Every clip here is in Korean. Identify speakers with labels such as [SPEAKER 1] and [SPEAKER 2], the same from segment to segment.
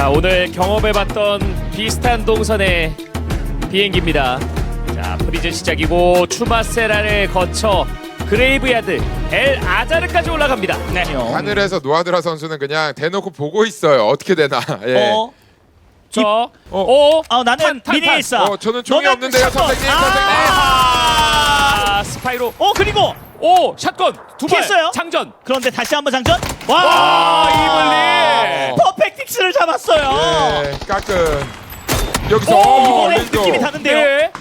[SPEAKER 1] 자, 오늘 경험해봤던 비슷한 동선의 비행기입니다. 자, 프리즌 시작이고 추마세라를 거쳐 그레이브야드 엘 아자르까지 올라갑니다. 네.
[SPEAKER 2] 하늘에서 노아드라 선수는 그냥 대놓고 보고 있어요. 어떻게 되나. 예.
[SPEAKER 3] 나는 미니일사.
[SPEAKER 2] 저는 총이 없는데요, 선생님.
[SPEAKER 1] 스파이로.
[SPEAKER 3] 그리고
[SPEAKER 1] 샷건 두 발.
[SPEAKER 3] 피했어요.
[SPEAKER 1] 장전.
[SPEAKER 3] 그런데 다시 한번 장전.
[SPEAKER 1] 이블리.
[SPEAKER 3] 퍼펙틱스를 잡았어요.
[SPEAKER 2] 네, 까끔. 여기서
[SPEAKER 3] 이번에
[SPEAKER 2] 린도.
[SPEAKER 3] 느낌이 다른데요.
[SPEAKER 1] 네.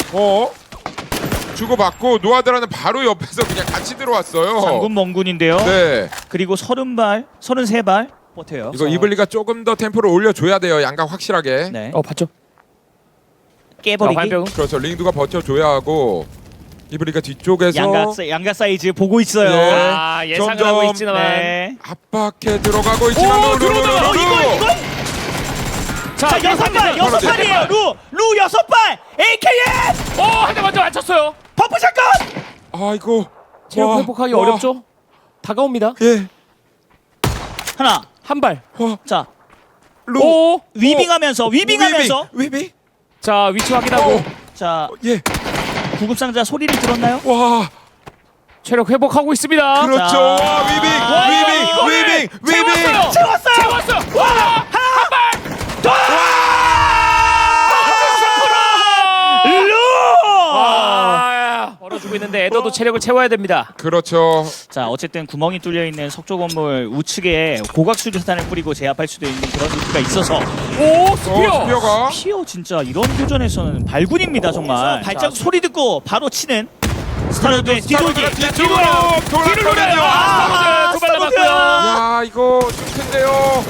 [SPEAKER 2] 주고받고 노아드라는 바로 옆에서 그냥 같이 들어왔어요.
[SPEAKER 3] 장군 멍군인데요.
[SPEAKER 2] 네.
[SPEAKER 3] 그리고 30발, 33발 버텨요.
[SPEAKER 2] 이거 이블리가 조금 더 템포를 올려줘야 돼요. 양각 확실하게.
[SPEAKER 3] 네.
[SPEAKER 1] 봤죠?
[SPEAKER 3] 깨버리기.
[SPEAKER 1] 화염병.
[SPEAKER 2] 그렇죠. 링두가 버텨줘야 하고 이블리가 뒤쪽에서
[SPEAKER 3] 양가 사이즈 보고 있어요.
[SPEAKER 2] 네.
[SPEAKER 1] 예상을
[SPEAKER 2] 점점,
[SPEAKER 1] 하고 있지만.
[SPEAKER 3] 네.
[SPEAKER 2] 압박해 들어가고 있지만
[SPEAKER 1] 들어오다.
[SPEAKER 3] 이거. 자, 6발, 6발이에요. 루 6발. AKM.
[SPEAKER 1] 한 대 먼저 맞췄어요.
[SPEAKER 3] 버프 샷건.
[SPEAKER 2] 아이고.
[SPEAKER 1] 체력
[SPEAKER 2] 와,
[SPEAKER 1] 회복하기
[SPEAKER 2] 와.
[SPEAKER 1] 어렵죠? 다가옵니다.
[SPEAKER 2] 예.
[SPEAKER 3] 하나.
[SPEAKER 1] 한 발.
[SPEAKER 3] 자,
[SPEAKER 2] 루.
[SPEAKER 3] 위빙하면서.
[SPEAKER 2] 위빙.
[SPEAKER 1] 자, 위치 확인하고.
[SPEAKER 3] 자,
[SPEAKER 2] 예.
[SPEAKER 3] 구급상자 소리를 들었나요?
[SPEAKER 2] 와.
[SPEAKER 1] 체력 회복하고 있습니다.
[SPEAKER 2] 그렇죠.
[SPEAKER 3] 자.
[SPEAKER 2] 와, 위빙.
[SPEAKER 3] 채웠어요.
[SPEAKER 1] 와! 벌어주고 있는데 에더도 체력을 채워야 됩니다.
[SPEAKER 2] 그렇죠.
[SPEAKER 3] 자, 어쨌든 구멍이 뚫려 있는 석조 건물 우측에 고각 수류탄을 뿌리고 제압할 수도 있는 그런 루트가 있어서
[SPEAKER 2] 스피어가
[SPEAKER 3] 피어 진짜 이런 교전에서는 발군입니다 정말. 발자국 소리 듣고 바로 치는 스타로드의 뒤돌기.
[SPEAKER 2] 뒤쪽으로 돌았거든요.
[SPEAKER 1] 두발 남았고요.
[SPEAKER 2] 야, 이거 좀 큰데요.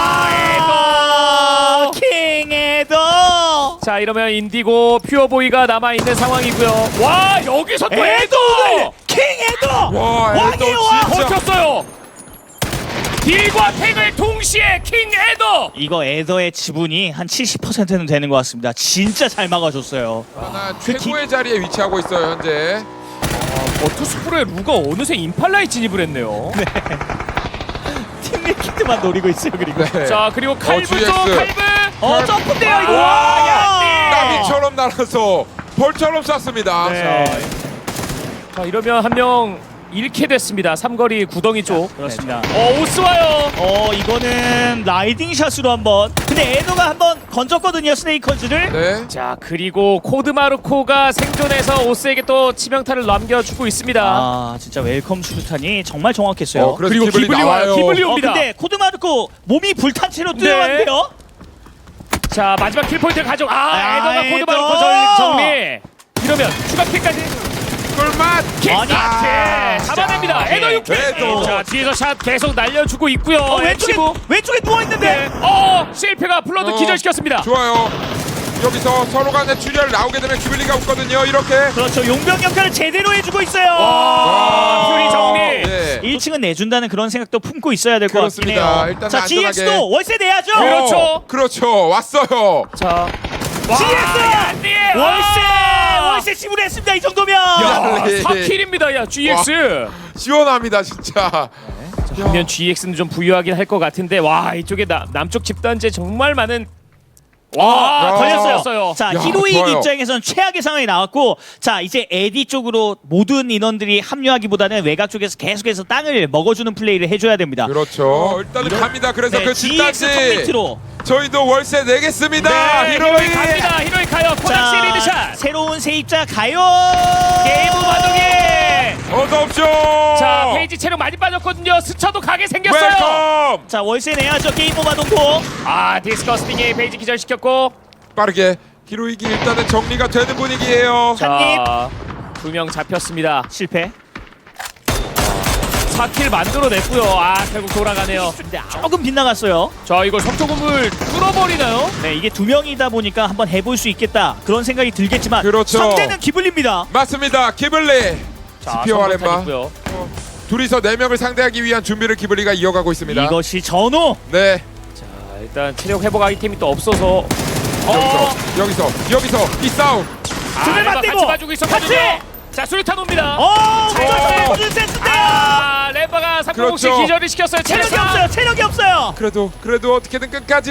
[SPEAKER 1] 에더.
[SPEAKER 3] 킹 에더.
[SPEAKER 1] 자, 이러면 인디고 퓨어보이가 남아있는 상황이고요. 와, 여기서 또 에더!
[SPEAKER 3] 킹 에더.
[SPEAKER 2] 와,
[SPEAKER 3] 왕이에요, 왕!
[SPEAKER 2] 진짜.
[SPEAKER 1] 버텼어요. 딜과 탱을 동시에 킹 에더!
[SPEAKER 3] 이거 에더의 지분이 한 70%는 되는 것 같습니다. 진짜 잘 막아줬어요.
[SPEAKER 2] 하나 최고의 자리에 위치하고 있어요, 현재.
[SPEAKER 1] 버투스프로의 루가 어느새 임팔라에 진입을 했네요.
[SPEAKER 3] 팀 리퀴드만 노리고 있어요. 그리고
[SPEAKER 2] 네.
[SPEAKER 1] 자, 그리고 칼브죠,
[SPEAKER 2] GX.
[SPEAKER 1] 칼브!
[SPEAKER 3] 점프인데요 이거.
[SPEAKER 2] 나비처럼 날아서 벌처럼 쐈습니다.
[SPEAKER 1] 네. 자, 이러면 한 명 잃게 됐습니다. 삼거리 구덩이 쪽.
[SPEAKER 3] 그렇습니다.
[SPEAKER 1] 오스 와요.
[SPEAKER 3] 이거는 라이딩 샷으로 한번. 근데 에더가 한번 건졌거든요 스네이커즈를.
[SPEAKER 2] 네.
[SPEAKER 1] 자, 그리고 코드마르코가 생존해서 오스에게 또 치명타를 남겨주고 있습니다.
[SPEAKER 3] 아 진짜 웰컴 수류탄이 정말 정확했어요.
[SPEAKER 2] 그래서
[SPEAKER 1] 그리고 기블리 와요. 기블리 옵니다.
[SPEAKER 3] 근데 코드마르코 몸이 불탄 채로 뛰어왔는데요.
[SPEAKER 1] 자, 마지막 킬포인트를 가져. 에더가
[SPEAKER 3] 에더!
[SPEAKER 1] 코드마르코 정리. 이러면 추가 킬까지.
[SPEAKER 2] 꿀맛.
[SPEAKER 3] 아니,
[SPEAKER 1] 잡아냅니다. 에더 6킬.
[SPEAKER 2] 에더.
[SPEAKER 1] 자, 뒤에서 샷 계속 날려주고 있고요.
[SPEAKER 3] 왼쪽에 누워 있는데.
[SPEAKER 1] 실패가 플러드 기절시켰습니다.
[SPEAKER 2] 좋아요. 여기서 서로 간에 출혈 나오게 되면 기블리가 없거든요. 이렇게.
[SPEAKER 3] 그렇죠. 용병 역할을 제대로 해주고 있어요.
[SPEAKER 1] 퓨리 정리.
[SPEAKER 2] 네.
[SPEAKER 3] 1층은 내준다는 그런 생각도 품고 있어야 될 것 같긴
[SPEAKER 2] 그렇습니다.
[SPEAKER 3] 해요.
[SPEAKER 2] 일단은
[SPEAKER 3] 자,
[SPEAKER 2] 안전하게.
[SPEAKER 3] GX도 월세 내야죠.
[SPEAKER 1] 그렇죠.
[SPEAKER 2] 그렇죠. 왔어요.
[SPEAKER 1] 자,
[SPEAKER 3] GX 월세 지불했습니다. 이 정도면.
[SPEAKER 2] 야.
[SPEAKER 1] 4킬입니다. 야, GX.
[SPEAKER 2] 시원합니다, 진짜.
[SPEAKER 1] 반면 GX는 좀 부유하긴 할 것 같은데, 와, 이쪽에 남쪽 집단제 정말 많은. 와,
[SPEAKER 3] 걸렸어요. 자,
[SPEAKER 2] 야,
[SPEAKER 3] 히로인
[SPEAKER 2] 좋아요.
[SPEAKER 3] 입장에서는 최악의 상황이 나왔고, 자 이제 에디 쪽으로 모든 인원들이 합류하기보다는 외곽 쪽에서 계속해서 땅을 먹어주는 플레이를 해줘야 됩니다.
[SPEAKER 2] 그렇죠. 일단은 갑니다. 그래서 그
[SPEAKER 3] GX
[SPEAKER 2] 집단지
[SPEAKER 3] 톱미트로.
[SPEAKER 2] 저희도 월세 내겠습니다.
[SPEAKER 1] 네,
[SPEAKER 2] 히로이.
[SPEAKER 1] 갑니다. 히로이 가요. 코닥시 리드샷.
[SPEAKER 3] 새로운 세입자 가요.
[SPEAKER 1] 게임 마동이.
[SPEAKER 2] 어서 오십시오.
[SPEAKER 1] 자, 페이지 체력 많이 빠졌거든요. 스쳐도 가게 생겼어요.
[SPEAKER 2] 웰컴.
[SPEAKER 3] 자 월세 내야죠. 게임 오버 동고.
[SPEAKER 1] 디스커스팅이 페이지 기절시켰고.
[SPEAKER 2] 빠르게 히로이기 일단은 정리가 되는 분위기예요.
[SPEAKER 1] 자, 2명 잡혔습니다.
[SPEAKER 3] 실패.
[SPEAKER 1] 4킬 만들어냈고요. 결국 돌아가네요.
[SPEAKER 3] 근데 조금 빗나갔어요.
[SPEAKER 1] 자, 이걸 석조 건물 뚫어버리나요?
[SPEAKER 3] 네, 이게 2명이다 보니까 한번 해볼 수 있겠다 그런 생각이 들겠지만
[SPEAKER 2] 그렇죠.
[SPEAKER 3] 상대는 기블리입니다.
[SPEAKER 2] 맞습니다. 기블리. 스피어 아렘바.
[SPEAKER 1] 있고요.
[SPEAKER 2] 둘이서 4명을 상대하기 위한 준비를 기블리가 이어가고 있습니다.
[SPEAKER 3] 이것이 전호.
[SPEAKER 2] 네.
[SPEAKER 1] 자, 일단 체력 회복 아이템이 또 없어서.
[SPEAKER 2] 여기서 이 싸움.
[SPEAKER 3] 등을
[SPEAKER 1] 레바
[SPEAKER 3] 맞대고
[SPEAKER 1] 같이 봐주고 있었거든요. 자, 수류탄 옵니다.
[SPEAKER 3] 잘 줬어요. 센스인데요.
[SPEAKER 1] 렘바가 3공공씩
[SPEAKER 2] 그렇죠.
[SPEAKER 1] 기절을 시켰어요.
[SPEAKER 3] 체력이
[SPEAKER 1] 체력
[SPEAKER 3] 없어요. 체력이 없어요.
[SPEAKER 2] 그래도 어떻게든 끝까지.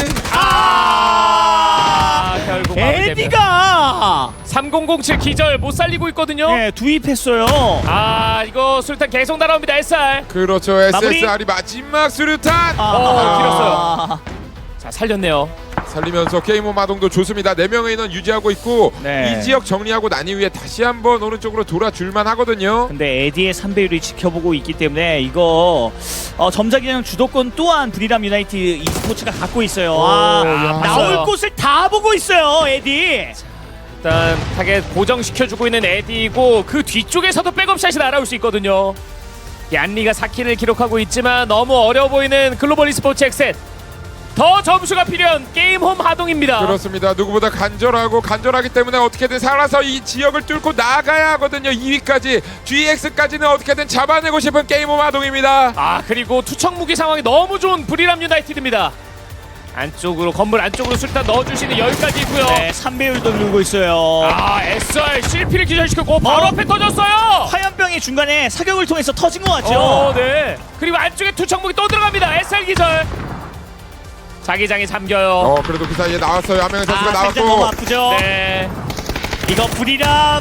[SPEAKER 1] 결국 마무리됩니다.
[SPEAKER 3] 에디가
[SPEAKER 1] 3007 기절 못 살리고 있거든요.
[SPEAKER 3] 네, 투입했어요.
[SPEAKER 1] 이거 술탄 계속 날아옵니다. SR.
[SPEAKER 2] 그렇죠.
[SPEAKER 3] 마무리?
[SPEAKER 2] SSR이 마지막 수류탄
[SPEAKER 1] 길었어요. 자, 살렸네요.
[SPEAKER 2] 살리면서 게임 온 마동도 좋습니다. 4명의 인원 유지하고 있고
[SPEAKER 3] 네.
[SPEAKER 2] 이 지역 정리하고 난 이후에 다시 한번 오른쪽으로 돌아줄만 하거든요.
[SPEAKER 3] 근데 에디의 3배율이 지켜보고 있기 때문에 이거 점자기장 주도권 또한 브리람 유나이티드 e스포츠가 갖고 있어요.
[SPEAKER 2] 야.
[SPEAKER 3] 나올
[SPEAKER 1] 봤어요.
[SPEAKER 3] 곳을 다 보고 있어요, 에디.
[SPEAKER 1] 일단 타겟 고정시켜주고 있는 에디고 그 뒤쪽에서도 백업샷이 날아올 수 있거든요. 얀리가 4킬을 기록하고 있지만 너무 어려워 보이는 글로벌 e스포츠 엑셋. 더 점수가 필요한 게임홈 하동입니다.
[SPEAKER 2] 그렇습니다. 누구보다 간절하기 때문에 어떻게든 살아서 이 지역을 뚫고 나가야 하거든요. 2위까지 GX까지는 어떻게든 잡아내고 싶은 게임 온 마동입니다.
[SPEAKER 1] 그리고 투척 무기 상황이 너무 좋은 브리람 유나이티드입니다. 안쪽으로 건물 안쪽으로 술탄 넣어주시는 여유까지 있고요.
[SPEAKER 3] 네, 3배율도 누르고 있어요.
[SPEAKER 1] SR CP를 기절시켰고 바로 앞에 터졌어요.
[SPEAKER 3] 화염병이 중간에 사격을 통해서 터진 것 같죠?
[SPEAKER 1] 네. 그리고 안쪽에 투척 무기 또 들어갑니다. SR 기절. 자기장이 잠겨요.
[SPEAKER 2] 그래도 그 사이에 나왔어요. 한 명의 선수가
[SPEAKER 3] 살짝 너무
[SPEAKER 2] 나왔고.
[SPEAKER 3] 아프죠?
[SPEAKER 1] 네.
[SPEAKER 3] 이거 브리람!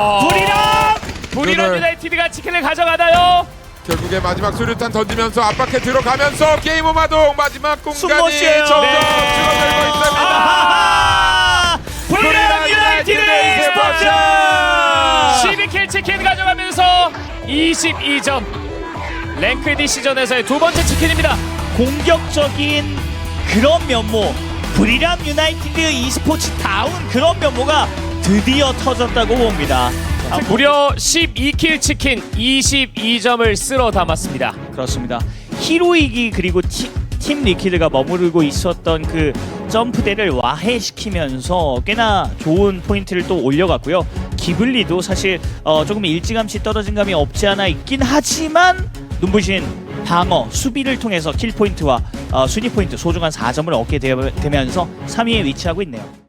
[SPEAKER 1] 브리람
[SPEAKER 2] 이거를-
[SPEAKER 1] 유나이티드가 치킨을 가져가나요?
[SPEAKER 2] 결국에 마지막 수류탄 던지면서 압박해 들어가면서 게임 온 마동 마지막 공간이
[SPEAKER 3] 숨못쉬어요.
[SPEAKER 2] 점점
[SPEAKER 1] 네.
[SPEAKER 2] 줄어들고 있습니다.
[SPEAKER 3] 브리람 유나이티드 e스포츠!
[SPEAKER 1] 12킬 치킨 가져가면서 22점. 랭크 D 시전에서의 두 번째 치킨입니다.
[SPEAKER 3] 공격적인 그런 면모, 브리람 유나이티드 e스포츠다운 그런 면모가 드디어 터졌다고 봅니다.
[SPEAKER 1] 무려 12킬 치킨 22점을 쓸어 담았습니다.
[SPEAKER 3] 그렇습니다. 히로이기 그리고 팀 리퀴드가 머무르고 있었던 그 점프대를 와해시키면서 꽤나 좋은 포인트를 또 올려갔고요. 기블리도 사실 조금 일찌감치 떨어진 감이 없지 않아 있긴 하지만 눈부신 방어, 수비를 통해서 킬 포인트와 순위 포인트 소중한 4점을 얻게 되면서 3위에 위치하고 있네요.